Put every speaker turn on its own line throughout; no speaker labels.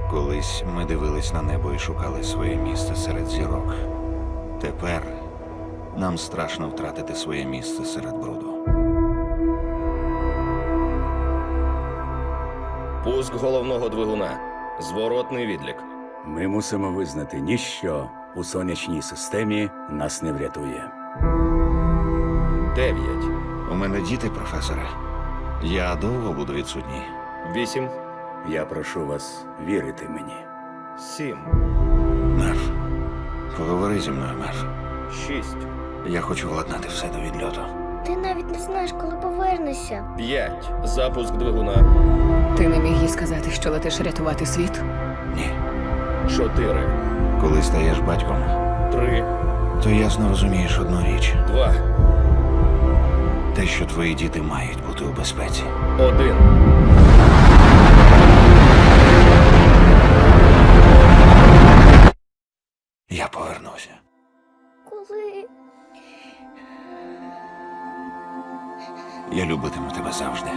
Колись ми дивились на небо і шукали своє місце серед зірок. Тепер нам страшно втратити своє місце серед бруду.
Пуск головного двигуна. Зворотний відлік.
Ми мусимо визнати, ніщо у сонячній системі нас не врятує.
9,
У мене діти, професоре. Я довго буду відсутній.
8,
Я прошу вас вірити мені.
7,
Мерф, поговори зі мною, Мерф.
6,
Я хочу владнати все до відльоту.
Ти навіть не знаєш, коли повернешся.
5. Запуск двигуна.
Ти не міг їй сказати, що летиш рятувати світ?
Ні.
4,
Коли стаєш батьком,
3,
то ясно розумієш одну річ.
2,
Те, що твої діти мають бути у безпеці.
1.
Я повернуся.
Коли?
Я любитиму тебе завжди.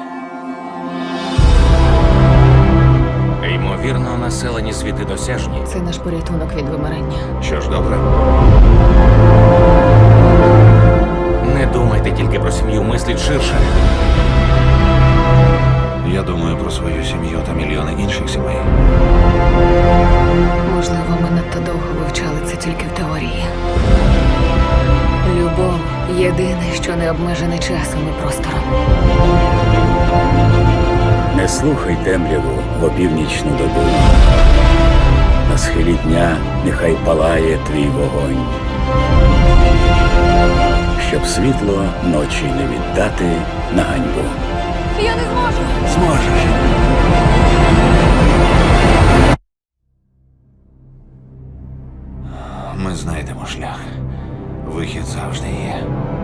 Ймовірно, населені світи досяжні.
Це наш порятунок від вимирання.
Що ж, добре?
Не думайте тільки про сім'ю, мисліть ширше.
Я думаю про свою сім'ю та мільйони інших сімей.
Можливо, ми надто довго вивчали це тільки в теорії. Любов – єдине, що не обмежене часом і простором.
Не слухай темряву в опівнічну добу. На схилі дня нехай палає твій вогонь. Щоб світло ночі не віддати на ганьбу.
Я не зможу!
Зможеш. Ми знайдемо шлях. Вихід завжди є.